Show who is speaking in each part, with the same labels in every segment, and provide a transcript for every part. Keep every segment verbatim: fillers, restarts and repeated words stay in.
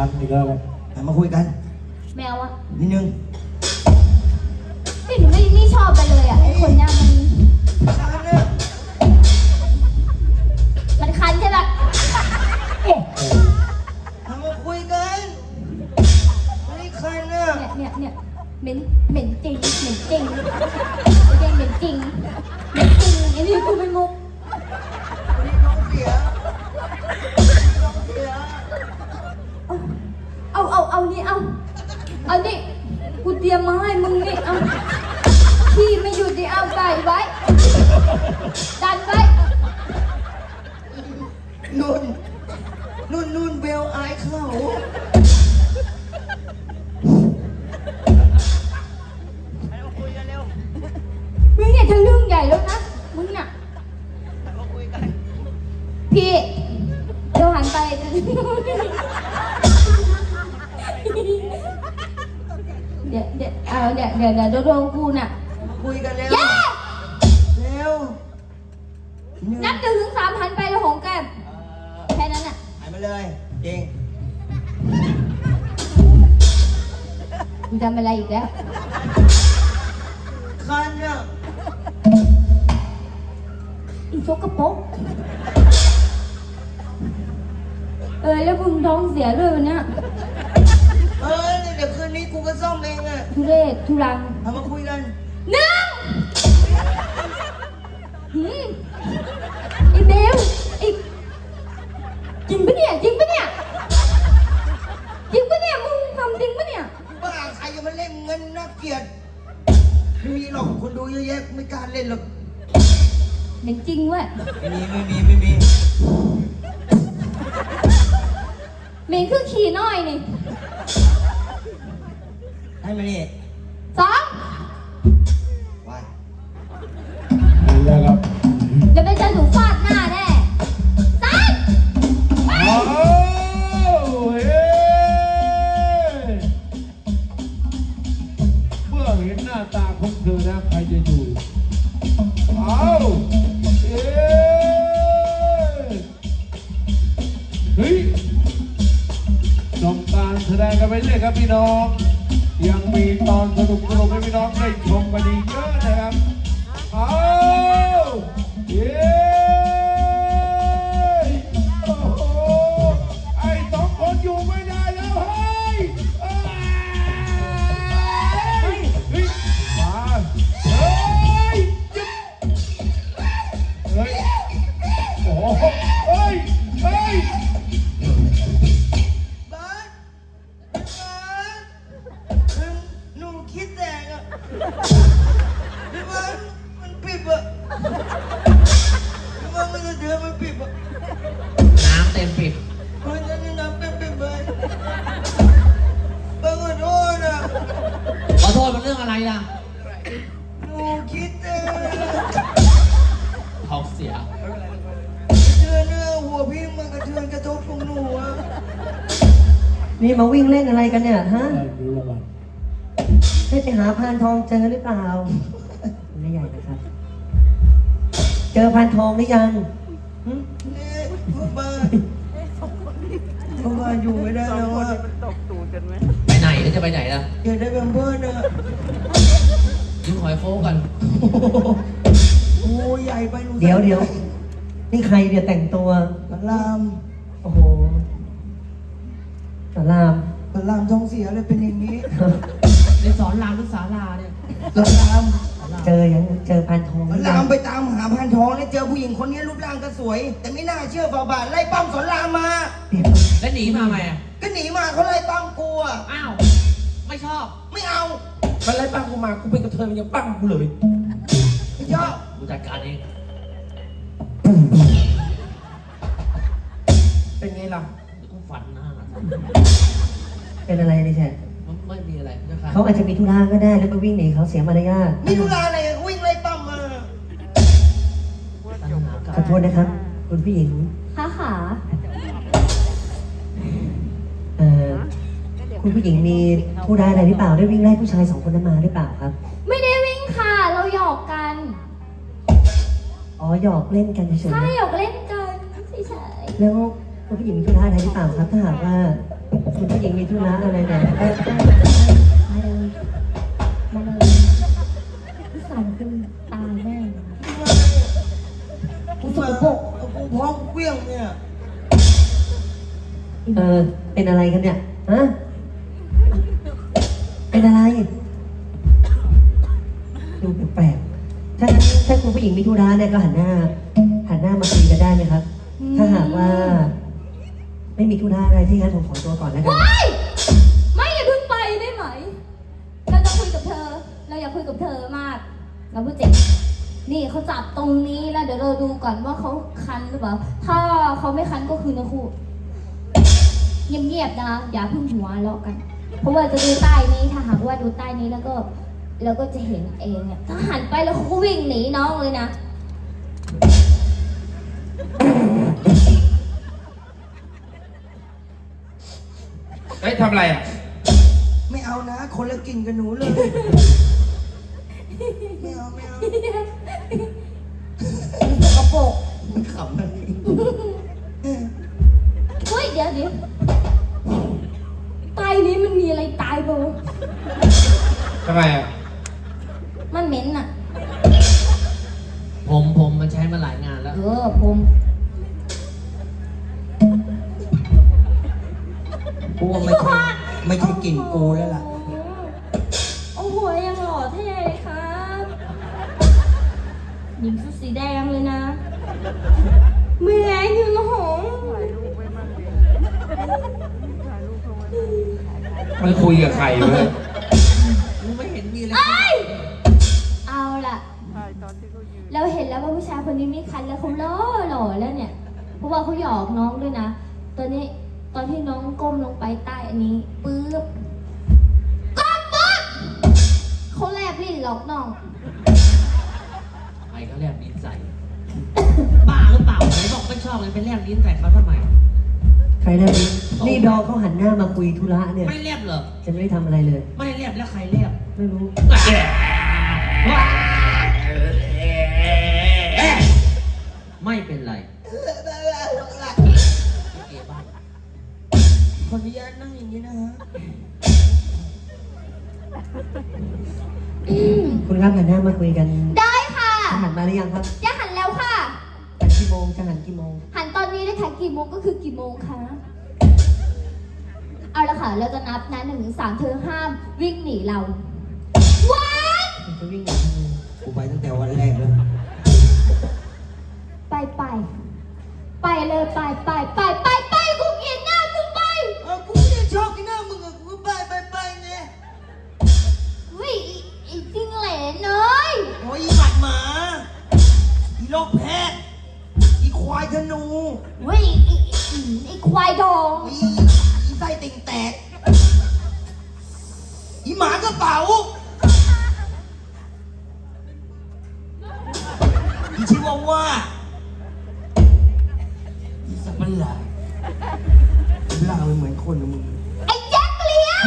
Speaker 1: กันอีกแล้วเลย
Speaker 2: มาคุยกัน
Speaker 3: แมวอะ
Speaker 2: นิดนึง
Speaker 3: พี่หนูไม่ไม่ชอบไปเลยอะไอคนเนี้ยมันมันคันใช่ปะ
Speaker 1: โอ้โห
Speaker 2: มาคุยกันไม่คันนะ
Speaker 3: เนี่ยเนี่ยเนี่ยเหม็นเหม็นจริงเหม็นจริงไม่ใช่เหม็นจริงเหม็นจริงไอ้นี่กูไม่มุก
Speaker 2: น้องเสียน้องเสีย
Speaker 3: เอาเอาเอานี่เอาเอานี่กูเตรียมมาให้มึงนี่เอาพี่ไม่หยุดดิเอาไก่ไว้ดันไว้
Speaker 2: นุ่นนุ่นนุ่นเบลอายเขา
Speaker 3: มึงเนี่ยทะลึ่งใหญ่แล้วนะมึงน่ะพี่เดี๋ยวหันไปเดี๋ยวเดี๋ยวเอาเดี๋ยวเดี๋ยวเดี๋ยวโดนกูน่ะ
Speaker 2: มาคุยกันแล้ว
Speaker 3: เย้
Speaker 2: เร็ว
Speaker 3: นับหนึ่งถึงสามหันไปแล้วหอมแก้มแค่นั้นน่ะ
Speaker 2: หายมาเลยเก่ง
Speaker 3: มึงทำอะไรอีกแล้ว
Speaker 2: คันอ่ะ
Speaker 3: อีโซกระปกเออแล้วมึงท้องเสียด้วยวันเนี้ย
Speaker 2: เออเดี๋ยวคืนนี้กูก็ซ่อมเองอ่ะ
Speaker 3: ทุเรศทุรัง
Speaker 2: เอามาคุยกัน
Speaker 3: หนึ่งหืมไอ้เบลไอ้จริงปะเนี่ยจริงปะเนี่ยจริงปะเนี่ยมึงทำจริงปะเนี่ย
Speaker 2: บ้าใครจะมาเล่นเงินน่าเกลียดไม่มีหรอกคนดูเยอะแยะไม่กล้าเล่นหรอก
Speaker 3: เหม็นจริงเว้ย
Speaker 2: ไม่มีไม่มีไม่มี
Speaker 3: เหม็นคือขี่น้อยนี่
Speaker 2: ให้มานี่
Speaker 3: สอง
Speaker 2: ไป
Speaker 1: แล้วครับ
Speaker 3: เดี๋ยวไปเจอถูกฟาดหน้าแน่สามไป
Speaker 1: เอาเฮ้เมื่อเห็นหน้าตาของเธอนะใครจะอยู่เอาเฮ้เฮ้ยชมการแสดงกันไปเรื่อยครับพี่น้องยังมีตอนสนุกสนุกให้พี่น้องได้ชมกันอีกเยอะนะครับเอาเย้โอ้โหไอ้สองคนอยู่ไม่ได้แล้วเฮ้ยเอ้ยเฮ้ยมาเฮ้ยจิ๊บเฮ้ยโอ้โหเฮ้ยเฮ้ย
Speaker 2: บ้านบ้านคือหนูคิดแตกอ่ะพี่บ้านมันปิดอ่ะพี่บ้านมันจะเดือดมันปิดอ่ะ
Speaker 4: น้ำเต็มปิด
Speaker 2: มันจะนี่น้ำเป็นปิดไปบ้านขอโทษอ่ะ
Speaker 4: ขอโทษมันเรื่องอะไรล่ะ
Speaker 2: หนูคิดแตก
Speaker 4: ท้องเสีย
Speaker 2: เดือนหน้าหัวพี่มันกระเทือนกระทบของหนูอ่ะ
Speaker 5: นี่มาวิ่งเล่นอะไรกันเนี่ยฮะ
Speaker 1: ได้รู้แล้วกัน
Speaker 5: ได้ไปหาพานทองเจอหรือเปล่าไม่ใหญ่นะครับ เจอพานทองหรือยังหึ
Speaker 2: นี่พ่อบ้านพ่อบ้านอยู่ไม่ได้แล้วอ่ะ
Speaker 4: ไปไหนแล้วจะไปไหนล่ะ
Speaker 2: อยากได้แบมเบิร์นอ่ะ
Speaker 4: ยืมหอยโฟกัน
Speaker 2: โอ้ใหญ่ไปหนู
Speaker 5: เดี๋ยวเดี๋ยวนี่ใครเนี่ยแต่งตัว
Speaker 2: พระราม
Speaker 5: โอ้โหสาราม
Speaker 2: พระรามท้องเสียเลยเป็นอย่างนี้
Speaker 4: ในสอนรามหรือศาลาเนี่ย
Speaker 2: พระราม
Speaker 5: เจอยังเจอพานทองห
Speaker 2: พ
Speaker 5: รื
Speaker 2: ระ
Speaker 5: อยั
Speaker 2: ราม
Speaker 5: ง
Speaker 2: ไปตามหาพันทองแล้วเจอผู้หญิงคนนี้รูปร่างก็สวย แต่ไม่น่าเชื่อฝ่าบาทไล่ปั้มสอนรามมา
Speaker 5: เดี๋ยว
Speaker 4: แล้วหนีมาไหมอ่ะ
Speaker 2: ก็หนีมาเขาไล่ปั้มกูอ่ะ
Speaker 4: อ้าว ไม่ชอบ
Speaker 2: ไม่เอา
Speaker 6: มันไล่ปั้งกูมา กูเป็นกระเทยมันยังปั้งกูเลย
Speaker 2: ไม่ชอบ
Speaker 4: กูจัดการเอง
Speaker 6: เป็นไงล่ะ
Speaker 4: กูฝันหน้า
Speaker 5: เป็นอะไรเนี่ยแชท
Speaker 4: มันไม่มีอะไรนะครับ
Speaker 5: เขาอาจจะมีธุระก็ได้แล้วไปวิ่งหนีเขาเสียมารยาท
Speaker 2: มีธุระอะไรอะวิ่งไล่ปั้มมา
Speaker 5: ขอโทษนะครับ คุณผู้หญิง
Speaker 3: ขาขา
Speaker 5: เอ่อคุณผู้หญิงมีธุระอะไรหรือเปล่าได้วิ่งไล่ผู้ชายสองคนนั้นมาหรือเปล่าครับ
Speaker 3: ไม่ได้วิ่งค่ะเราหยอกกัน
Speaker 5: อ๋อหยอกเล่นกันเฉย
Speaker 3: ใช่หยอกเล่นกันเฉย
Speaker 5: ๆแล้วคุณผู้หญิงมีธุระอะไรหรือเปล่าครับถ้าหากว่าคุณผู้หญิงมีธุระอะไรเนี่ยเอ้ย
Speaker 3: มาเลย มาเลยพี่สาวคุณตายแน่
Speaker 2: กูเปิดกูพร้อมเกลี้ยงเนี่ย
Speaker 5: เออเป็นอะไรกันเนี่ยฮะเป็นอะไรดูแปลกๆถ้างั้นถ้าคุณผู้หญิงมีธุระเนี่ยก็หันหน้า หันหน้ามาคุยกันได้ไหมครับ ถ้าหากว่า ไม่มีธุระอะไรที่งั้นผมขอตัวก่อนแล้วกัน
Speaker 3: ว้ายไม่อย่าเพิ่งไปได้ไหม เราจะคุยกับเธอ เราอยากคุยกับเธอมาก เราพูดจริงนี่เขาจับตรงนี้แล้วเดี๋ยวเราดูก่อนว่าเขาคันหรือเปล่า ถ้าเขาไม่คันก็คือนะครูเงียบๆนะ อย่าเพิ่งหัวเราะกัน เพราะว่าจะดูใต้นี้ ถ้าหากว่าดูใต้นี้แล้วก็เราก็จะเห็นเองเนี่ยถ้าหันไปแล้วเขาก็วิ่งหนีน้องเลยนะ
Speaker 6: เฮ้ยทำอะไรอ่ะ
Speaker 2: ไม่เอานะ คนละกลิ่นกับหนูเลย ไม่เอาไม่เอา
Speaker 3: สกปรก
Speaker 2: มันขำอะไร
Speaker 3: เฮ้ยเดี๋ยวเดี๋ยวใต้นี้มันมีอะไรตายเปล่า
Speaker 6: ทำไมอ่ะ
Speaker 3: มันเหม็นอ่ะ
Speaker 4: ผมผมมันใช้มาหลายงานแล้ว
Speaker 3: เออผม
Speaker 2: กูว่าไม่ใช่ไม่ใช่กลิ่นกูแล้วล่ะ
Speaker 3: โอ้โหยังหล่อเท่เลยครับหญิงชุดสีแดงเลยนะเหมือนอยู่นะหง
Speaker 6: มันคุยกับใครเว้ย
Speaker 2: กูไม่เห็นมีอะไร
Speaker 3: เอ้ยเอาล่ะเราเห็นแล้วว่าผู้ชายคนนี้มีคันแล้วเขาหล่อหล่อแล้วเนี่ย เพราะว่าเขาหยอกน้องด้วยนะ ตอนนี้ตอนที่น้องก้มลงไปใต้อันนี้ปึ๊บก้มปึ๊บเขาแลบลิ้นหลอกน้อง
Speaker 4: ไอ้เขาแลบลิ้นใส่ บ้าหรือเปล่าไหนบอกไม่ชอบเลยไปแลบลิ้นใส่เขาทำไม
Speaker 5: ใครแลบลิ้นนี่ดองเขาหันหน้ามาคุยธุระเนี่ย
Speaker 4: ไม่แลบเหรอ
Speaker 5: จะไม่ได้ทำอะไรเลย
Speaker 4: ไม่แลบแล้วใครแลบ
Speaker 5: ไม่รู้
Speaker 4: ไม่เป็นไรเก๋บ้าง
Speaker 2: ขออนุญาตนั่งอย่างนี้นะฮะ
Speaker 5: คุณครับหันหน้ามาคุยกัน
Speaker 3: ได้ค่ะ
Speaker 5: จะหันมาหรือยังครับ
Speaker 3: จะหันแล้วค่ะ
Speaker 5: หันกี่โมงจะหันกี่โมง
Speaker 3: หันตอนนี้เลยค่ะกี่โมงก็คือกี่โมงคะเอาละค่ะ เราจะนับนะหนึ่งถึงสามเธอห้ามวิ่งหนีเราวัน
Speaker 5: ผมจะวิ่งหนีทำไม
Speaker 2: กูไปตั้งแต่วันแรกแล้ว
Speaker 3: ไปไปไปเลยไปไปไปไปไปกูเกลียดหน้ามึงไป
Speaker 2: เออกูไม่ได้ชอบกินหน้ามึงอะกูก็ไปไปไปไง
Speaker 3: เฮ้ยไอ้ไอ้จิ้งเหลนเลย
Speaker 2: โอ้ยอีหมัดหมา อีโรคแพทย์อีควายธนู
Speaker 3: เฮ้ยไอ้ไอ้ไอ้ควายดอง
Speaker 2: อีอีไส้ติ่งแตก อีหมากระเป๋า อีชิวาว่าอีสับปะหลาดล่ามันเหมือนคนนะมึง
Speaker 3: ไอ้แจ็คเลี้ยว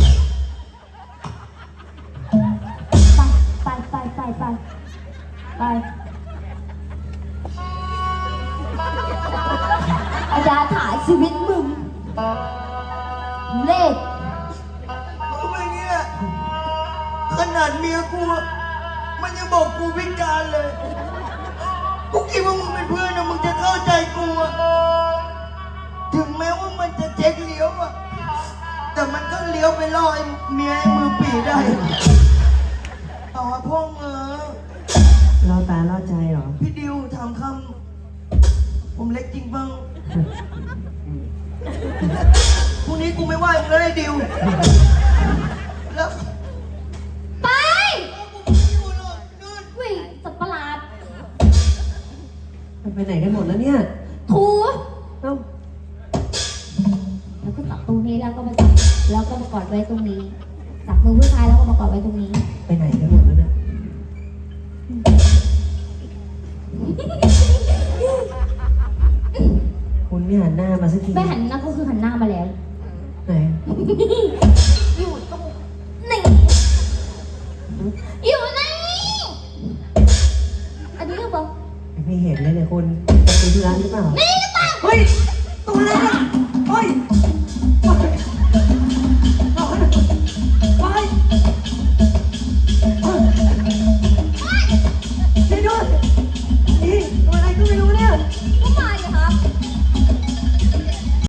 Speaker 3: ไปไปไปไปไปไปอาญาถ่ายชีวิตมึงเลข
Speaker 2: ทำไมเนี่ยขนาดเมียกูอะมันยังบอกกูพิการเลย กูคิดว่ามึงเป็นเพื่อนนะมึงจะเข้าใจกูอะถึงแม้ว่ามันจะเจ๊กเลี้ยวอะแต่มันก็เลี้ยวไปล่อไอ้เมียไอ้มือปีได้ต่อพ่อเงอ
Speaker 5: ล่อตาล่อใจเหรอ
Speaker 2: พี่ดิวถามคำผมเล็กจริงเปล่าพรุ่งนี้กูไม่ไหวมึงแล้วไอ้ดิวแล้ว
Speaker 3: ไป
Speaker 2: กูไม่อยู่หรอกนู่น
Speaker 3: วิ่งสัตว์ประหลาด
Speaker 5: มันไปไหนกันหมดแล้วเนี่ย
Speaker 3: ถู
Speaker 5: เอ้า
Speaker 3: แล้วก็จับตรงนี้แล้วก็มาจับแล้วก็มากอดไว้ตรงนี้จับมือผู้ชายแล้วก็มากอดไว้ตรงนี้
Speaker 5: ไปไหนกันหมดแล้วเนี่ย คุณไม่หันหน้ามาสักที
Speaker 3: ไม่หันหน้าก็คือหันหน้ามาแล้ว
Speaker 5: ไหน
Speaker 3: อยู่ตรงนี่อยู่นี่อันนี้หรือเปล่า
Speaker 5: ไม่เห็นเลยเนี่ยคุณจะคุยธุระหรือเปล่า
Speaker 3: นี่หรือเปล่า
Speaker 5: เฮ้ย